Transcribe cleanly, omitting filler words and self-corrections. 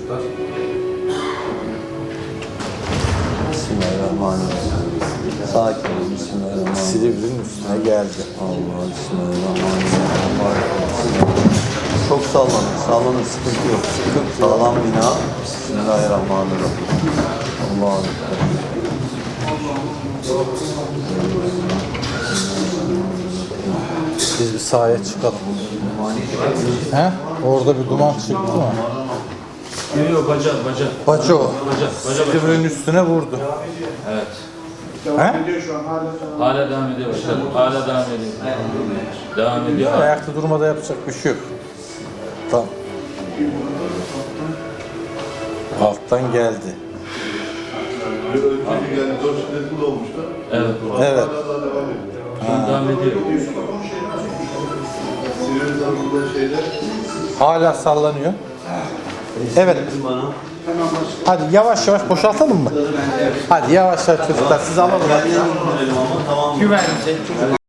çocuklar. Bismillahirrahmanirrahim. Sakin ol. Bismillahirrahmanirrahim. Silivri'nin üstüne geldi. Allah Bismillahirrahmanirrahim. Çok sallanır. Sallanır. Sıkıntı yok. Sağlam bina. Bismillahirrahmanirrahim. Allah'a emanet. Biz bir sahaya çıkalım. He? Orada bir duman çıktı mı? Yok baca. Baca o. Baca. Silivri'nin üstüne vurdu. Evet. He? Hala devam ediyor başkanım. Hala devam ediyor. Devam ediyor. Ayakta durmada yapacak bir şey yok. Tamam. Alttan geldi. Önceki geldi, 4 şiddetli olmuştu. Evet. Evet. Hala devam ediyor. Şu an devam ediyor. Silivri tarafında şeyde Hala sallanıyor. Evet. Hadi yavaş yavaş boşaltalım mı? Hadi yavaş yavaş çocuklar siz alalım. Tamam. Güvenli.